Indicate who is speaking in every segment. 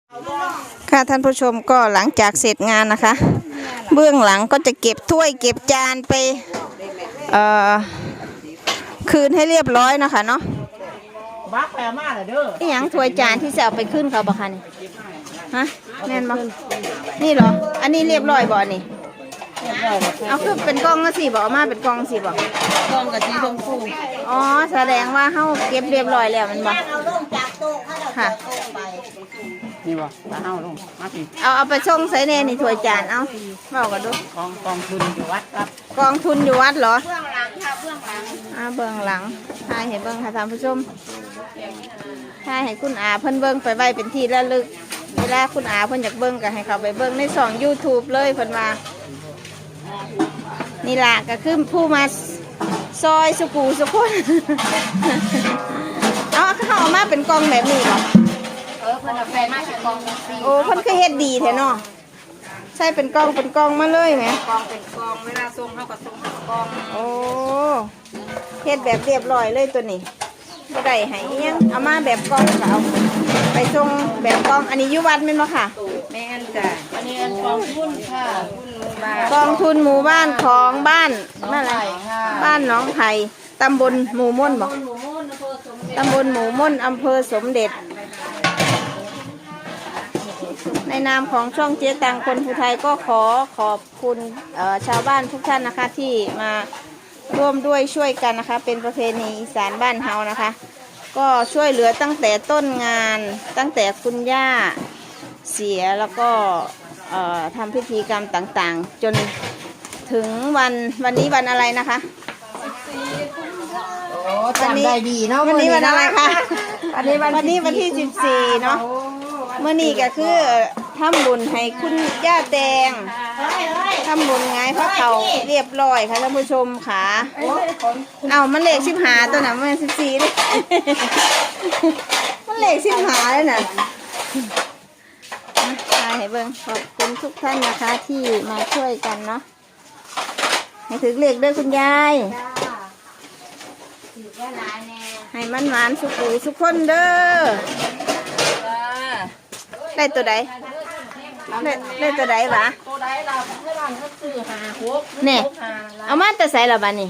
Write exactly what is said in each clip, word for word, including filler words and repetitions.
Speaker 1: ค่ะท่านผู้ชมก็หลังจากเสร็จงานนะคะ เบื้องหลังก็จะเก็บถ้วยเก็บจานไปเอ่อคืนให้เรียบร้อยนะคะเนาะ
Speaker 2: บักแปลมากเลยเด้อ
Speaker 1: นี่ยังถ้วยจานที่จะเอาไปขึ้นเขาบ่คะนี่ฮะแน่นบ่นี่เหรออันนี้เรียบร้อยบ่นี่เอาคือเป็นกล่องละสิบ่เอามาเป็นกล่องสิบ่
Speaker 2: กล้องกับสีชมพู
Speaker 1: อ๋อแสดงว่าเฮาเก็บเรียบร้อยแล้วมันบ่ค่ะ
Speaker 2: นี่บ่ตาเฮาลงมาสิ
Speaker 1: เอาเอาไปส่งใส่แน่นี่ถ้วยจานเอาเว้ากันดู
Speaker 2: กองกองทุนอยู่วัดครับ
Speaker 1: กองทุนอยู่วัดเหรอเบื้องหลังค่ะเบื้องหลังอ่าเบื้องหลังถ่ายให้เบิ่งค่ะท่านผู้ชมถ่ายให้คุณอาเพิ่นเบิ่งไปไว้เป็นที่ระลึกเวลาคุณอาเพิ่นอยากเบิ่งก็ให้เขาไปเบิ่งในช่อง YouTube เลยเพิ่นว่านี่ล่ะก็คือผู้มาซอยสุกูสุคนเอาเขาเอามาเป็นกองแบบนี้เหรอ
Speaker 2: เออเพิ่นเอาแฟนมาเป็นกองสี
Speaker 1: โอ้เพิ่นคือเฮ็ดดีแท้เนาะใช่เป็นกองเป็นกองมาเลยไหม
Speaker 2: กองเป็นกองเวลาส่งเฮาก็ส่งเป็นกอง
Speaker 1: โอ้เฮ็ดแบบเรียบร้อยเลยตัวนี้บ่ได้ให้อิหยังเอามาแบบกองก็เอาไปส่งแบบกองอันนี้อยู่วัดแม่นบ่ค่ะ
Speaker 2: แม่นจ้ะอันนี้กองทุนค่ะ
Speaker 1: กองทุนหมู่บ้านของบ้านนั่นแหละบ้านหนองไผ่ตำบลหมู่ม่นบ่ตำบลหมู่ม่นอำเภอสมเด็จในนามของช่องเจ๊ตังคนภูไทยก็ขอขอบคุณชาวบ้านทุกท่านนะคะที่มาร่วมด้วยช่วยกันนะคะเป็นประเพณีอีสานบ้านเฮานะคะก็ช่วยเหลือตั้งแต่ต้นงานตั้งแต่คุณย่าเสียแล้วก็ทำพิธีกรรมต่างๆจนถึงวันวันนี้วันอะไรนะคะ
Speaker 2: โอ้จำได้ดีเนาะ
Speaker 1: วันนี้วันอะไรคะวันนี้วันนี้วันที่สิบสี่เนาะเมื่อนี้ก็คือทำบุญให้คุณย่าแดงทำบุญไงพระเขาเรียบร้อยค่ะท่านผู้ชมค่ะเอามันเลขสิบหาตัวน่ะมันสิบสี่เลยมันเลขสิบหาเลยน่ะให้เบิ่งขอบคุณทุกท่านนะคะที่มาช่วยกันเนาะให้ถึงเลขด้วยคุณยายให้มันหวานสุกุสุกคนเด้อได้ตัวใดได้ได้ตัวใดวะ
Speaker 2: ตัวใดเราเพื่อนก็ซื้อหาหก
Speaker 1: เนี่ยเอามาแต่ใส่ละบ้านี่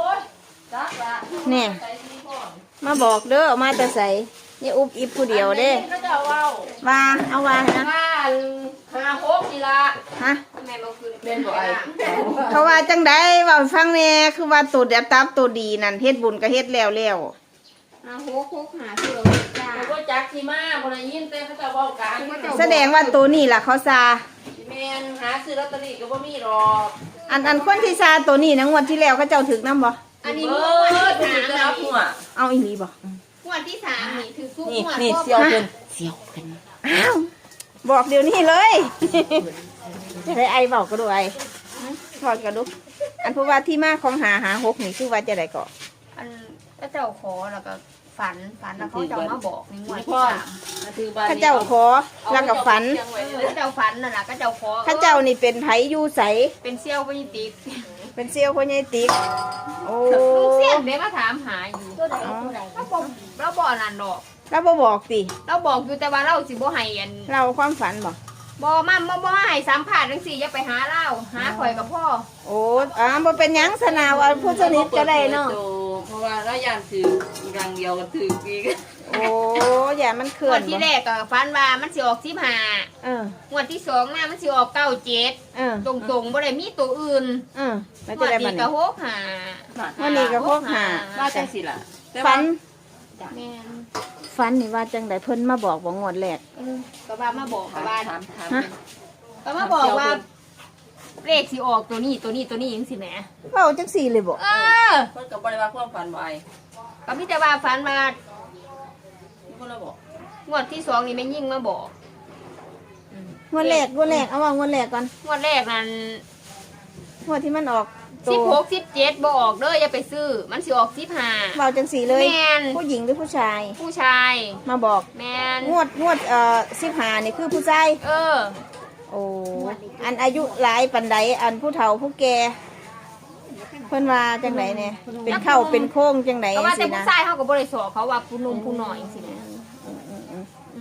Speaker 1: เนี่ยมาบอกเด้อเอามาแต่ใส่นี่อุบอิบผู้เดียวเด้ว่าเอาว่านะ
Speaker 2: หาหกนี่ละ
Speaker 1: ฮะ
Speaker 2: เป็นบ่ไอ
Speaker 1: เขาว่าจังไดว่าฟังแน่คือว่าตัวเดียบตับตัวดีนั่นเฮ็ดบุญก็เฮ็ดแล้วแล้ว
Speaker 2: หาหกหกหาคือเราจ้าเขาจักที่มาคนละยินแต่เขาจะบอกกัน
Speaker 1: แสดงว่าตัวนี้ล่ะเขาซา
Speaker 2: แมนหาซื้อลอตเตอรี่ก็บ่มีหรอก
Speaker 1: อันอันคนที่ซาตัวนี้นะงวดที่แล้วเขาเจ้าถึกน้ำบ่
Speaker 2: อันนี้งวดที่สามหัว
Speaker 1: เอาอีหลีบ่
Speaker 2: งวดที่สามนี่ถือคู่งวดนี่เสียวเป็นเสียวเป็น
Speaker 1: อ้าวบอกเดี๋ยวนี้เลยจะได้ไอบอกก็ดูไอบอกก็ดูอันผู้ว่าที่มาของหาหาหกนี่คือว่าจะได้ก่อ
Speaker 3: อันก็เจ้าขอแล้วก็ฝันฝันแล้วเขาจะมาบอกในงวดที่สาม
Speaker 1: ข้าเจ้าขอแล้วก็ฝัน
Speaker 3: ข้าเจ้าฝันนั่นแหละข้าเจ้าขอ
Speaker 1: ข้าเจ้านี่เป็นไผยูใส
Speaker 3: เป็นเซี่ยวพญติก
Speaker 1: เป็นเซี่ยวพญติกโอ้
Speaker 3: ลูกเซี่ยวเด็กมาถามหาอยู่เราบอกเราบอกนั่นดอก
Speaker 1: เราบ่บอกสิ
Speaker 3: เราบอกอยู่แต่ว่าเราสิบ่ให้อัน
Speaker 1: เราความฝันบอก
Speaker 3: บ่มาบ่บ่ให้สามผ่านทั้งสี่อย่าไปหาเล่าหาข่อยกับพ่อ
Speaker 1: โอ้อ่าบ่เป็นยังสนาวผู้สนิทก็ได้เนาะ
Speaker 2: เพราะว่าเราอยากถือรังเดียวก็ถืออีก
Speaker 1: โอ้อย่ามันเขื่อน
Speaker 3: ที่แรกก็ฝันว่ามันสิออกสิบห้า
Speaker 1: เออง
Speaker 3: วดที่สองน่ะมันสิออกเก้าเจ็ด
Speaker 1: เออ
Speaker 3: ตรงๆบ่ได้มีตัวอื่น
Speaker 1: เออ
Speaker 3: ไม่ได้บัดนี้ก็หกห้า
Speaker 1: วันนี้ก็หกห้า
Speaker 2: ว่าจังสิล่ะ
Speaker 1: ฝัน
Speaker 3: แม่น
Speaker 1: ฝันนี่ว่าจังไดเพิ่นมาบอกบ่งวดแรก
Speaker 3: ก็ว่ามาบอกก็ว่า
Speaker 2: ถามถาม
Speaker 3: ก็มาบอกว่าเลขสิออกตัวนี้ตัวนี้ตัวนี้จังซี่แหม
Speaker 1: เว้าจังซี่เลยบ่
Speaker 3: เออ
Speaker 2: เพิ่นก็บ่ได้ว่าความฝันบ่ไอ
Speaker 3: ก็มีแต่ว่าฝันว่า
Speaker 2: คนละบอก
Speaker 3: งวดที่สองนี่แม่ยิ่งมาบอก
Speaker 1: งวดแรกงวดแรกเอาว่างวดแรกก่อน
Speaker 3: งวดแรกนั้น
Speaker 1: งวดที่มันออก
Speaker 3: สิบหกสิบเจ็ดบ่ออกเด้ออย่าไปซื้อมันสิออกสิบห้า
Speaker 1: เว้าจังซี่เลยผู้หญิงหรือผู้ชาย
Speaker 3: ผู้ชาย
Speaker 1: มาบอก
Speaker 3: แม่น
Speaker 1: งวดงวดเอ่อสิบห้านี่คือผู้ชาย
Speaker 3: เออ
Speaker 1: โอ้อันอายุหลายปันใดอันผู้เฒ่าผู้แก่เพิ่นว่าจังไดเนี่ยเป็นเข้าเป็นโค้งจังได๋
Speaker 3: ก็ว่าแต่ผู้ชายเฮาก็บ่ได้สอเขาว่าผู้หนุ่มผู้น้อยจังซี่นะ
Speaker 1: อา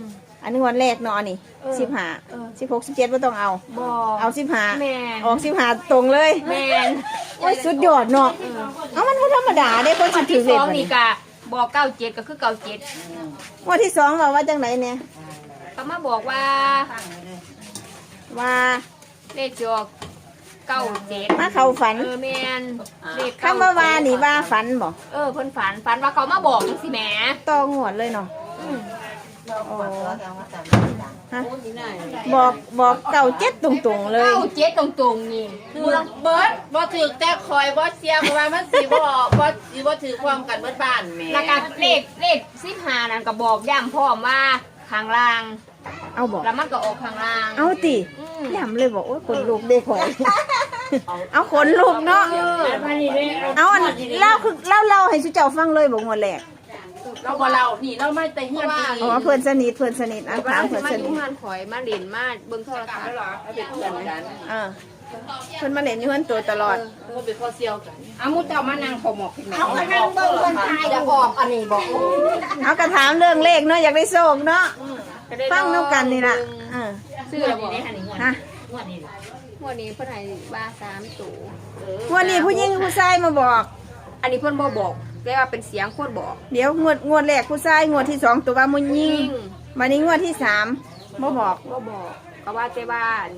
Speaker 1: นนี้งวดแรกเนาะอันนี่
Speaker 3: เออ
Speaker 1: สิบห้า
Speaker 3: เออ
Speaker 1: สิบหกสิบเจ็ดไม่ต้องเอา
Speaker 3: บ่
Speaker 1: เอาสิบห้า
Speaker 3: แม่น
Speaker 1: ออกสิบห้าตรงเลย
Speaker 3: แม่น
Speaker 1: โอ้ยสุดยอดเนาะเอามันบ่ธรรมดาได้คนสิ
Speaker 3: วัน
Speaker 1: ถื
Speaker 3: ที่
Speaker 1: อ
Speaker 3: ส
Speaker 1: เลข
Speaker 3: อง
Speaker 1: บัด
Speaker 3: นี่
Speaker 1: นี้
Speaker 3: ก็บอกเก้าเจ็ดก็คือเก้าเจ็ด
Speaker 1: งวดที่สองว่าว่าจังไหนเนี่ย
Speaker 3: เขามาบอกว่า
Speaker 1: ว่า
Speaker 3: เลขจะออกเก้าเจ็ด
Speaker 1: มาเข้าฝัน
Speaker 3: เออแม่นเลข
Speaker 1: คำว่าว่านี่ว่าฝันบ่
Speaker 3: เออเพิ่นฝันฝันว่าเขามาบอกจังซี่แหม
Speaker 1: ต่องวดเลยเนาะ
Speaker 3: อืม
Speaker 1: ฮะบอกบอกเก่าเจ็ดตรงๆเลย
Speaker 3: เก้าเจ็ดตรงๆนี่
Speaker 2: คือเบิร์ดบ่ถือแต่คอยบ่เสียเพราะว่ามันสิบ่บ่สิบ่ถือความกันเบิดบ้านแหม่
Speaker 3: แล้วก็เลขเลขสิบห้านั่นก็บอกย้ำพร้อมว่าข้างล่าง
Speaker 1: เอาบอก
Speaker 3: แล้วมันก็ออกข้างล่าง
Speaker 1: เอาติ
Speaker 3: อืม
Speaker 1: ย้ำเลยบอกโอ้ยขนลุกเด็กข่อย เอาขนลุกเนาะ เอาอันเล่าคือเล่าเล่าให้สุเจ้าฟังเลยบอกงวดแรก
Speaker 2: เราบ่เรานี่เราไม่แต่เฮียนตี
Speaker 1: อ๋อเพื่อนสนิทเพื่อนสนิทอ่ะ
Speaker 3: ว่า
Speaker 1: ถาม
Speaker 3: เรา
Speaker 1: เพื่อน
Speaker 3: มา
Speaker 1: ส
Speaker 3: อ
Speaker 1: นิ
Speaker 3: ยู่
Speaker 1: ท
Speaker 3: งานข่อยมาเล่นมาเบิ่งโทรทัศน์
Speaker 2: เราเป็นเพื่อนกัน
Speaker 1: เออเพื่อนมาเล่นอยู่เพื่อนตัวตลอด
Speaker 2: เราเป็นข้อเสียวกัน
Speaker 4: เอามุดเจ้ามานั่งขอหมอกขึ้นมา
Speaker 2: เอาไปนั่งเบิ่งเพิ่นทายจะออกอันนี้บอก
Speaker 1: เอากระถามเรื่องเลขเนาะอยากได้โชคเนาะฟังน้ำกันนี่ล่ะเออ
Speaker 3: ซื้อแล้วบอก
Speaker 1: ฮะ
Speaker 3: งวดนี้เพิ่นให้ว่าสามตัว
Speaker 1: งวดนี้ผู้หญิงผู้ชายมาบอก
Speaker 3: อันนี้เพิ่นบ่บอกแต่ว่าเป็นเสียงคนบอก
Speaker 1: เดี๋ยวงวดงวดแรกผู้ชายงวดที่สองตัวว่ามุญยิงวันนี้งวดที่สามมาบอก
Speaker 3: บ่บอกก็ว่าแต่ว่าอัน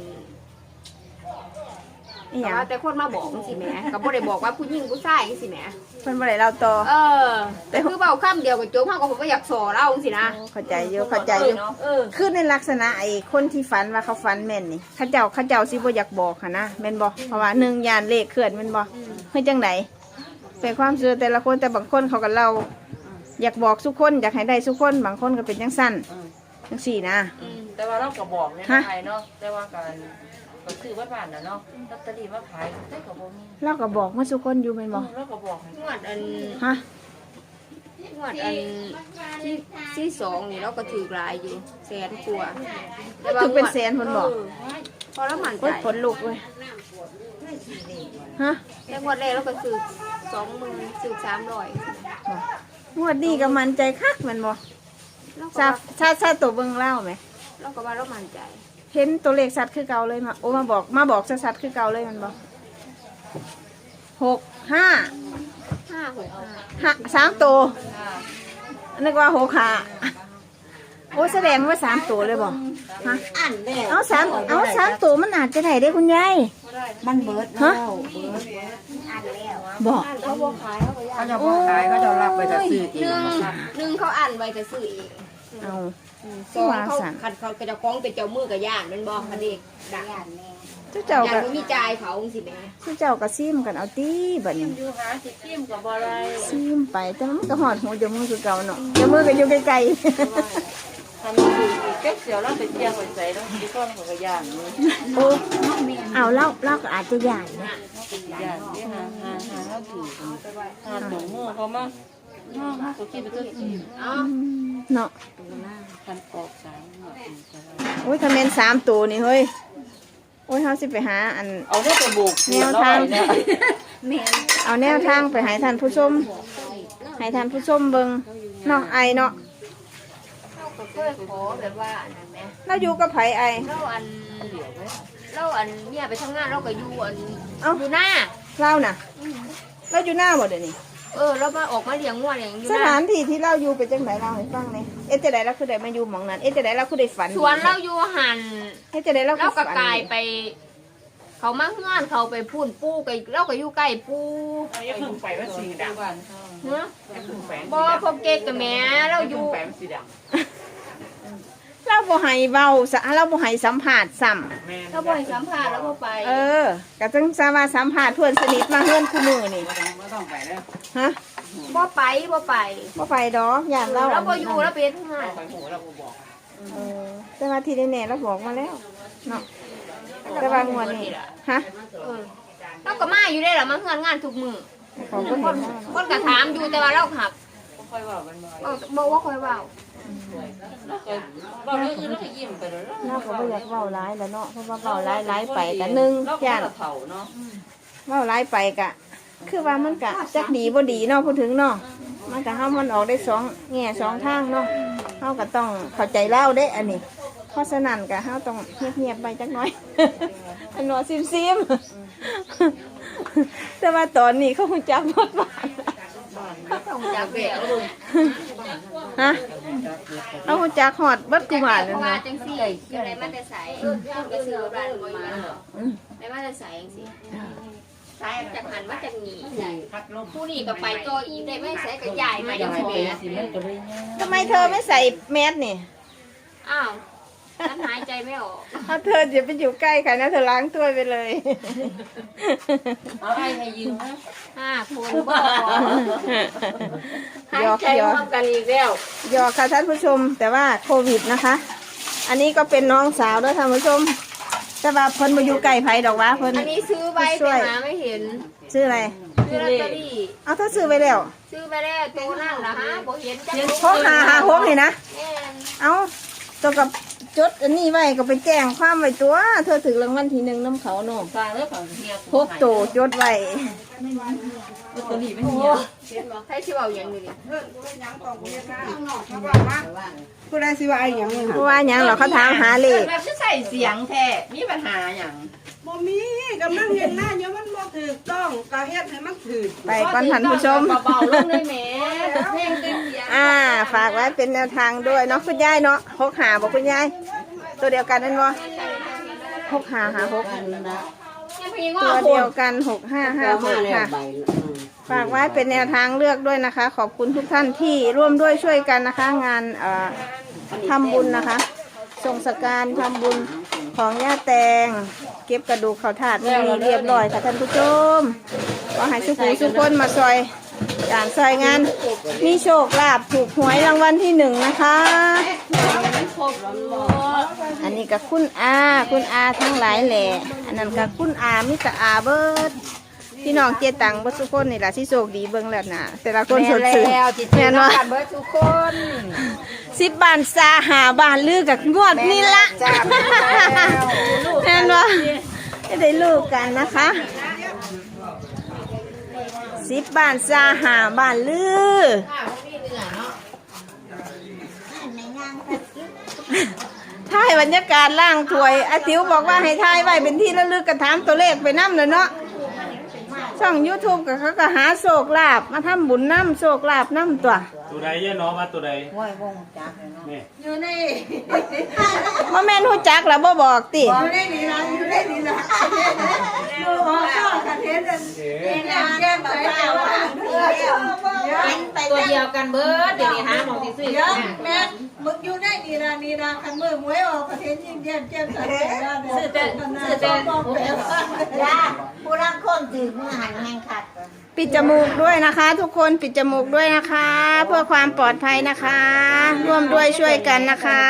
Speaker 1: อีห
Speaker 3: ก็
Speaker 1: ยัง
Speaker 3: ว่าแต่คนมาบอกจังซี่แหมก็บ่ได้บอกว่าผู้หญิงผู้ชายจังซี่แหม
Speaker 1: เพิ่นบ่ได้เล่าต่อ
Speaker 3: เออแต่คือเว้าคำเดียวก็จบเฮาก็บ่อยากสอเล่าจังซี่นะ
Speaker 1: เข้าใจอยู่เข้าใจอยู่
Speaker 3: เออ
Speaker 1: คือในลักษณะไอ้คนที่ฝันว่าเขาฝันแม่นนี่เขาเจ้าเขาเจ้าสิบ่อยากบอกค่ะนะแม่นบ่เพราะว่าหนึ่งยานเลขเคลื่อนแม่นบ่เฮ้ยจังไดเป็นความเชื่อแต่ละคนแต่บางคนเขาก็เล่าอยากบอกทุกคนอยากให้ได้ทุกคนบางคนก็เป็นจังสั้นจังสี่นะ
Speaker 2: อืมแต่ว่าเราก็บอกใน
Speaker 1: ฮะ
Speaker 2: ไทยเนาะแต่ว่าการก็คือวัดบ้านน่ะเนาะลอตเตอรี่มาขายได้ก็บ่มี
Speaker 1: เราก็บอกมาทุกคนอยู่แม่นบ่
Speaker 2: เราก็บอกให้
Speaker 3: งวดอัน
Speaker 1: ฮะ
Speaker 3: งวดอันที่ที่สองนี่เราก็ถือหลายอยู่แสนกว่า
Speaker 1: ถึงเป็นแสนเพิ่นบอก
Speaker 3: เพอแล้วมั่นใจ
Speaker 1: โอ้ยขนลุกเว้ยฮะ
Speaker 3: แต่งวดแรกเราก็ซื้อสองหมื่นซื้อสามร้อย
Speaker 1: บ่งวดนี้ก็มั่นใจคักแม่นบ่
Speaker 3: เราก็
Speaker 1: ทรา
Speaker 3: ว่า
Speaker 1: บทราบทราบตัวเบิ่งเล่าไหม
Speaker 3: เราก็ว่าเรามั่นใจ
Speaker 1: เห็นตัวเลขสัตว์คือเก่าเลยมาโอ้มาบอกมาบอกสัตว์คือเก่าเลยแมันบ่หกห้า
Speaker 3: ห้าหกห้า
Speaker 1: ห้าสามตัวนึกว่าหกห้าโอ้แสดงว่าสามตัวเลยบ่ฮะ
Speaker 4: อันแล้ว
Speaker 1: เอาสามเอาสามตัวมันอาจจะไหนได้คุณยาย
Speaker 4: มันเบิด
Speaker 1: ฮะ
Speaker 4: แล้วเบิด
Speaker 1: บอก
Speaker 3: เขาบอกขายเขาก็ยา
Speaker 4: เขาจะบอกขายเขาจะรับไปจะซื้อเอ
Speaker 3: หนึ่
Speaker 4: ง
Speaker 3: งหนึ่งเขาอ่านไว้จะซื้อเอง
Speaker 1: เอา
Speaker 3: สอง
Speaker 1: ว่า
Speaker 3: เขา
Speaker 1: สั่น
Speaker 3: ขัดเขากระจะคล้องเป็นเจ้ามือกับย่านมันบอกคันเด็กดักย่านแน่
Speaker 1: เจ้าเจ้า
Speaker 3: ย่าน
Speaker 1: ก็
Speaker 3: มันมีจ่ายเขาสิแม่
Speaker 1: เจ้าเจ้าก็ซิมกันเอาตีบัดนี้
Speaker 2: อยู่หาสิจิ้มก็บ่ได้
Speaker 1: ซิมไปแต่มันก็หอดหูจมูกคือเก่าเนาะจมูกก็อยู่ไกล
Speaker 2: ทำอยู่อีกแก๊กเสียวเราไปเที่ยวไปใส่แล้วที่ก้อนของกระย่างนี่
Speaker 1: ๆโอ้เอาเล่าเล่าก็อาจจะใหญ่นะ
Speaker 2: ย่างที่หาหาหาเขาถือหาหนูงูเขามาห้องเขาคิดไปตัวที่
Speaker 3: อ๋อ
Speaker 1: เนาะ
Speaker 2: คันออกสามหมดอีกแล้ว
Speaker 1: โอ้ยถ้าแม่นสามตัวนี่เฮ้ยโอ้ยเฮาสิไปหาอัน
Speaker 2: เอาได้ไปบุก
Speaker 1: แนวทาง
Speaker 2: เนี่ย
Speaker 1: เอาแนวทางไปให้ท่านผู้ชมให้ท่านผู้ชมเบิ่งเนาะไอเนาะ
Speaker 3: เราก็เคยขอแบบว่าอันนั้นแหม
Speaker 1: เราอยู่กับไผไอ
Speaker 3: เราอันเราอันเนี่ยไปทำงานเราก็อยู่อัน
Speaker 1: เอ้า
Speaker 3: อยู่หน้า
Speaker 1: เราน่ะเราอยู่หน้าหมดเดี๋ยวนี้
Speaker 3: เออเรามาออกมาเลี้ยงงัวเลี้ยงอยู่
Speaker 1: ส
Speaker 3: หน้า
Speaker 1: ถานที่ที่เราอยู่เป็นจังไดเล่าให้ฟังหน่อยเอ๊ะจะได้เราคือได้มาอยู่หม่องนั้นเอ๊ะจะได้เราคือได้ฝัน
Speaker 3: สวนเราอยู่หัน
Speaker 1: เอ๊ะจะได้เราคื
Speaker 3: เรา
Speaker 1: อ
Speaker 3: ก็
Speaker 1: ฝัน
Speaker 3: กลายไป เขามาเฮือนเขาไปพูนปูก็เราก็อยู่ใกล้ปู
Speaker 4: อย่าเพิ่งไปว่าสีดำ
Speaker 2: บ้านเขา
Speaker 3: เนาะ
Speaker 4: อย่าเพิ่งแฝง
Speaker 3: บ่พวกเก๊กกับแม่เราอยู่
Speaker 4: แฝงสีด
Speaker 1: เราบ่ให้เว้าซะเราบ่ให้สัมภาษณ์ซ้ำ
Speaker 4: ำแม่
Speaker 3: เราบ่ให้สัมภาษณ์แล้วบ่ไป
Speaker 1: เออก็จังซะว่าสัมภาษณ์เพื่อนสนิทมาเฮือนคู่มือนี่
Speaker 4: ไม่ต้องไม่ต้องไปแล้ว
Speaker 1: ฮะ
Speaker 3: บ่ไปบ่ไป
Speaker 1: บ่ไปดอกย่านเรา
Speaker 3: เราบ่อยู่เราเป็นทหาร
Speaker 4: ไปหัวเราบอก
Speaker 1: เออแต่ว่าที่แน่ๆเราบอกมาแล้วเนาะแต่ว่างวดนี้ฮะ
Speaker 3: เออเราก็มาอยู่ได้ล่ะมาเฮือนงานทุกมื้อ
Speaker 1: ขอบคุณ
Speaker 3: ค
Speaker 1: เห็
Speaker 3: น
Speaker 1: นว่า
Speaker 3: คนก็ถามอยู่แต่ว่าเราขับ
Speaker 2: บ่ค่อยว่ามันบ่อย
Speaker 3: เออบ่ว่าค่อยเว้า
Speaker 2: เราเคยเราเรื่องอื่นเราก็ยิ้มไปแล้ว
Speaker 1: เราก็บ่อยากเว้าร้ายแล้วเนาะเพราะว่าเว้าร้ายร้ายไปกันหนึ่ง
Speaker 2: เราก็
Speaker 1: ย่าน
Speaker 2: เฒ่าเนาะ
Speaker 1: เว้าร้ายไปกะ คือว่ามันกะจักดีบ่ดีเนาะพูดถึงเนาะ
Speaker 3: แ
Speaker 1: มันก็เฮามันออกได้สองแง่สองทางเนาะเฮาก็ต้องเข้าใจเล่าเด้อันนี้เพราะฉะนั้นก็เฮาต้องเงียบๆไปจักหน่อย อันหนอซิมๆแต่ว่าตอนนี้เขาคงจักหมดบ้าน
Speaker 3: ต้องจับแบก
Speaker 1: ฮะเอาคงจักหอดเบิดกูบ้านเลย
Speaker 3: ว่า
Speaker 1: นะ
Speaker 3: จังซี่อยู่ในมันจะใสก็ซื้อร้านมาในมันจะใสจังซี่ใส่จากหันมาจากนี้ผู้นี่ก็ไปตัวอีได้ไม่ใส่ก็ใหญ่มาอย่างนี้
Speaker 1: ทำไมเธอไม่ใส่แมสนี่
Speaker 3: อ้าวฉันหายใจไม่ออก
Speaker 1: ถ้าเธอจะไปอยู่ใกล้ใครนะเธอล้างถ้วยไปเลย
Speaker 2: เอาไอ้ให้ยืมนะ
Speaker 3: ห้าคนบ่หาย
Speaker 1: หยอก
Speaker 3: ใจ
Speaker 1: หย
Speaker 3: พ
Speaker 1: อก
Speaker 3: ร้อมกันอีกแล้ว
Speaker 1: หยอกค่ะท่านผู้ชมแต่ว่าโควิดนะคะ อันนี้ก็เป็นน้องสาวด้วยท่านผู้ชมแต่ว่าเพิ่นมาอยู่ใกล้ไผดอกวะเพิ่น
Speaker 3: อันนี้ซื้อไว้แต่หาไม่เห็น
Speaker 1: ซื้ออะไร
Speaker 3: ซื้อลอตเตอรี่
Speaker 1: เอาถ้าซื้อไปแล้ว
Speaker 3: ซื้อไปแล้วตัวนั่นล่ะฮะบ่เห็นจัง
Speaker 1: หกหาหาหกนี่นะ
Speaker 3: แม่น
Speaker 1: เอาตัวกับจดอันนี้ไว้ก็ไปแจ้งความไว้ตัว เธอถึงรางวัลที่หนึ่งน้ำเขาโน่
Speaker 2: ฟังแล้วเขาเฮีย
Speaker 1: พกโตจดไว้
Speaker 2: ลอตเตอรี่ไม่เฮีย
Speaker 3: เห็นบ่ใครสิเว้าหยังนี่
Speaker 5: ผู้ใดสิว่าไอ้หยังนี่
Speaker 1: เพราะว่าหยังเหรอเขาถามหาเลข
Speaker 2: แบบจะใส่เสียงแท้มีปัญหาอย่าง
Speaker 5: บ่มีกำลังเห็นหน้าเดี๋ยวมันบ่ถูกต้องก็เฮ็ดให้มันถูก
Speaker 1: ไปก่อนท่านผู้ชม
Speaker 2: เบาๆลงเลยแหมเพลงเต็มเสียง
Speaker 1: อ่า ฝากไว้เป็นแนวทางด้วยเนาะคุณยายเนาะหกหาบอกคุณยายตัวเดียวกันนั่นวะหกหาหาหกตัวเดียวกันหกห้าห้าหกค่ะ ฝากไว้เป็นแนวทางเลือกด้วยนะคะ ขอบคุณทุกท่านที่ร่วมด้วยช่วยกันนะคะ งานเอ่อทำบุญนะคะส่งสการทำบุญของย่าแตง เก็บกระดูกเขาถาดมีเรียบร้อยค่ะท่านผู้ชมขอให้สุขุมสุขคนมาซอยการซอยงานมีโชคลาภถูกหวยรางวัลที่หนึ่งนะคะ อันนี้กับคุณอาคุณอาทั้งหลายแหล่อันนั้นกับคุณอามิตรอาเบิร์ดพี่น้องเจตังเบิร์ดทุกคนนี่แหละที่โชคดีเบิ้งแล้วนะแต่ละคนสดชื่นแม่นว่า
Speaker 3: เบิดทุกคน
Speaker 1: สิบบานซาหาบานลือกับงวดนี่ละแม่นว่าจะได้ลูกกันนะคะสิบบานซาหาบานลือถ่ายบรรยากาศล่างถวยอาติวบอกว่าให้ถ่ายไว้เป็นที่ระลึกกระถามตัวเลขไปน้ำเลยเนาะช่อง ยูทูบ ก็เขาก็หาโศกลาบมาทำบุญน้ำโศกลาบน้ำตัว
Speaker 6: ตัวใดเย่น้องมาตัวใดนี่
Speaker 5: อยู่ใน
Speaker 1: ว่าแม่นหูจักแล้วบ่บอกติ
Speaker 5: อยู่ในนี่ล่ะอยู่ในนี่ล่ะดูออกก็กันเห็นอันแก้มแก้มใส่แก้วว่าเออ
Speaker 2: ตัวเดียวกันเบิร์ดเดี๋ยวนี้หาหมองที่ซื้อ
Speaker 5: เดี๋ยวแม่มึงอยู่ในนี่ล่ะนี่ล่ะคันมือหวยออกก็เห็นยิ้มแย้มแจ่มใสแล้วเด้อ
Speaker 2: ซื้อแต่ซื้อแต่
Speaker 5: จ้าผู้รักคนถือมือหันแห่งขัด
Speaker 1: ปิดจมูกด้วยนะคะ ทุกคนปิดจมูกด้วยนะคะ เพื่อความปลอดภัยนะคะ ร่วมด้วยช่วยกันนะคะ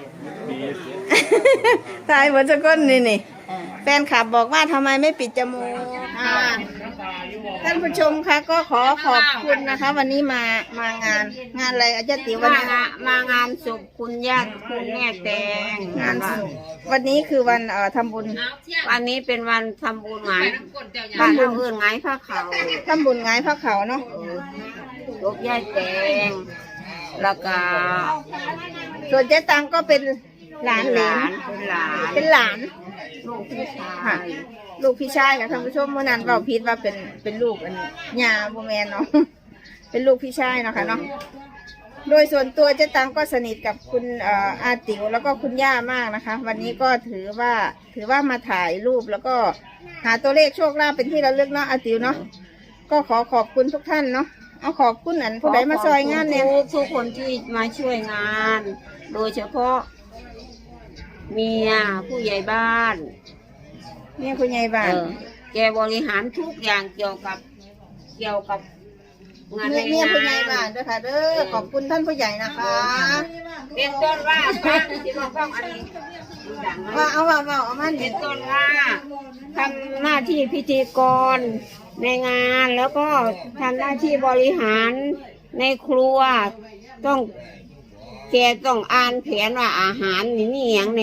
Speaker 1: ตายหมดทุกคนนี่นี่แฟนคลับบอกว่าทำไมไม่ปิดจมูกอ่าท่านผู้ชมคะก็ขอขอบคุณนะคะ วันนี้มามางานงานอะไรอาจารย์ติ๋ววัน
Speaker 3: มา
Speaker 1: นี้
Speaker 3: งานมางานศพคุณย่าคุณแม่แตง
Speaker 1: งานศพวันนี้คือวันเอ่อทำบุญ
Speaker 3: วันนี้เป็นวันทำบุญหงายบ้านเราเอื่นหงายผ้าขาว
Speaker 1: ทำบุญไงพระเขาเนาะ
Speaker 3: ศพย่าแตงแล้วก็
Speaker 1: ส่วนเจ๊ตังก็เป็นหลานเหล
Speaker 3: หลาน นเป็นหลาน
Speaker 1: เป็นหลาน
Speaker 3: ลูกพี่ชา
Speaker 1: ค่ะ
Speaker 3: ย
Speaker 1: ลูกพี่ชายค่ะท่านผู้ชมเมื่อนั้นเราพิดว่าเป็นเป็นลูกอันยาโบแมนเนาะ เป็นลูกพี่ชายเนาะค่ะเนาะโดยส่วนตัวเจ๊ตังก็สนิทกับคุณเอ่ออาติ๋วแล้วก็คุณย่ามากนะคะ วันนี้ก็ถือว่าถือว่ามาถ่ายรูปแล้วก็หาตัวเลขโชคลาภเป็นที่ระลึกเนาะอาติ๋วเนาะก็ขอขอบคุณทุกท่านเนาะเอาขอบคุณอันผู้ใดมาซอยงานเนี่ย
Speaker 3: ทุกทุกคนที่มาช่วยงาน โดยเฉพาะเมียผู้ใหญ่บ้าน
Speaker 1: เนี่ยคุณยายบ้า
Speaker 3: เอน อแกบริหารทุกอย่างเกี่ยวกับเกี่ยวกับงานใน
Speaker 1: เนี่ย
Speaker 3: งา
Speaker 1: คุณยาย
Speaker 3: น
Speaker 1: บ้านด้วยค่ะเด้อขอบคุณท่านผู้ใหญ่นะคะ
Speaker 3: เป็นต้นว่าที่บอกว่าอันนี้ดัง
Speaker 1: ว่า
Speaker 3: นะ
Speaker 1: เอาว่าว่าเอามา
Speaker 3: เป็
Speaker 1: เด็
Speaker 3: น
Speaker 1: ด
Speaker 3: ต้นว่าทำหน้าที่พิธีกรในงานแล้วก็ทำหน้าที่บริหารในครัวต้องแกต้องอ่านแผนว่าอาหารนี่นี่อย่างใน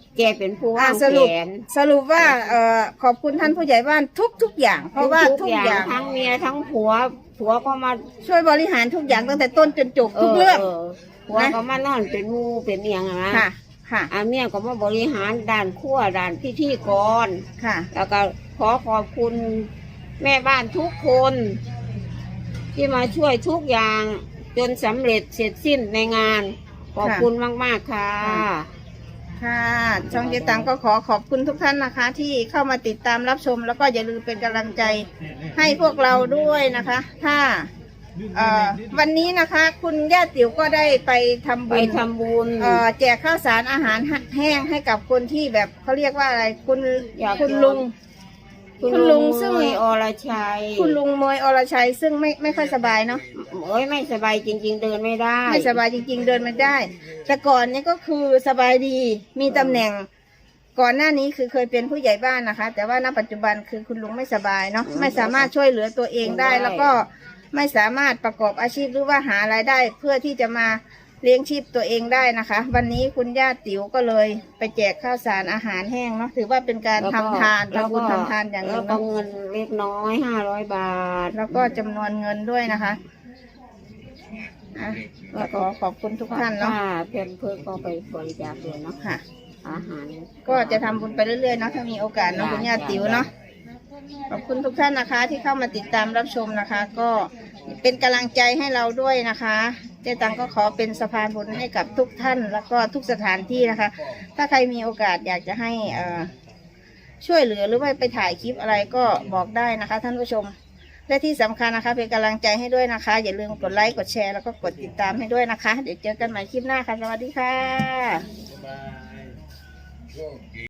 Speaker 5: แกเป็นผู้
Speaker 1: อ่าว
Speaker 5: าง
Speaker 1: สรุป
Speaker 5: แผน
Speaker 1: สรุปว่าเอ่อขอบคุณท่านผู้ใหญ่บ้านทุกทุกๆอย่าง เพราะว่าทุกอย่าง
Speaker 5: ทั้งเมียทั้งผัวผัวก็มา
Speaker 1: ช่วยบริหารทุกอย่างตั้งแต่ต้นจนจบทุกเรื่อง
Speaker 5: ผัวก็มานอนเป็นหมูเป็นเอียงอะนะ
Speaker 1: ค่ะค่ะ
Speaker 5: อาเมียก็มาบริหารด่านขั้วด่านพิธีกร
Speaker 1: ค่ะ
Speaker 5: แล้วก็ขอขอบคุณแม่บ้านทุกคน ที่มาช่วยทุกอย่างจนสำเร็จเสร็จสิ้นในงาน ขอบคุณมากๆค่ะ
Speaker 1: ค่ะช่องเจตังก็ขอขอบคุณทุกท่านนะคะ ที่เข้ามาติดตามรับชม แล้วก็อย่าลืมเป็นกำลังใจให้พวกเราด้วยนะคะ ถ้าเอ่อวันนี้นะคะ คุณย่าติ๋วก็ได้ไปทำ
Speaker 5: ไป
Speaker 1: บุญ
Speaker 5: ทำบุญ
Speaker 1: เอ่อแจกข้าวสารอาหารแห้งให้กับคนที่แบบเขาเรียกว่าอะไรคุณ
Speaker 5: อยาก
Speaker 1: คุณลุง คุณลุงซึ่ง
Speaker 5: มวยอรชัย
Speaker 1: คุณลุงมวยอรชัยซึ่งไม่ไม่ค่อยสบายเนาะ
Speaker 5: โอ้ยไม่สบายจริง ๆ เดินไม่ได้
Speaker 1: ไม่สบายจริง ๆ เดินไม่ได้ แต่ก่อนนี้ก็คือสบายดีมีตำแหน่ง ก่อนหน้านี้คือเคยเป็นผู้ใหญ่บ้านนะคะ แต่ว่าณปัจจุบันคือคุณลุงไม่สบายเนาะไม่สามารถช่วยเหลือตัวเองได้ แล้วก็ไม่สามารถประกอบอาชีพหรือว่าหารายได้ เพื่อที่จะมาเลี้ยงชีพตัวเองได้นะคะ วันนี้คุณย่าติ๋วก็เลยไปแจกข้าวสารอาหารแห้งเนาะถือว่าเป็นการทำทาน
Speaker 5: แล้ว
Speaker 1: ทำบุ
Speaker 5: ก็
Speaker 1: ญทำทานอย่างห
Speaker 5: แล้
Speaker 1: นึ่
Speaker 5: ว
Speaker 1: ง
Speaker 5: ก็
Speaker 1: เนาะ
Speaker 5: เงินเล็กน้อยห้าร้อยบาท
Speaker 1: แล้วก็จำนวนเงินด้วยนะคะอ่ะก็ขอขอบคุณทุกท่านเนาะ
Speaker 5: ค่ะเพื่อนเพื่อนก็ไปบริจาคเลยเนาะ
Speaker 1: ค่ะ
Speaker 5: อาหาร
Speaker 1: ก็จะทำบุญไปเรื่อยๆเนาะถ้ามีโอกาสเนาะคุณย่าติ๋วเนาะขอบคุณทุกท่านนะคะ ที่เข้ามาติดตามรับชมนะคะ ก็เป็นกำลังใจให้เราด้วยนะคะเจ๊ตังก็ขอเป็นสะพานบุญให้กับทุกท่าน แล้วก็ทุกสถานที่นะคะ ถ้าใครมีโอกาสอยากจะให้เอ่อช่วยเหลือหรือว่าไปถ่ายคลิปอะไรก็บอกได้นะคะ ท่านผู้ชมและที่สำคัญนะคะ เป็นกำลังใจให้ด้วยนะคะ อย่าลืมกดไลค์กดแชร์แล้วก็กดติดตามให้ด้วยนะคะ เดี๋ยวเจอกันใหม่คลิปหน้าค่ะสวัสดีค่ะ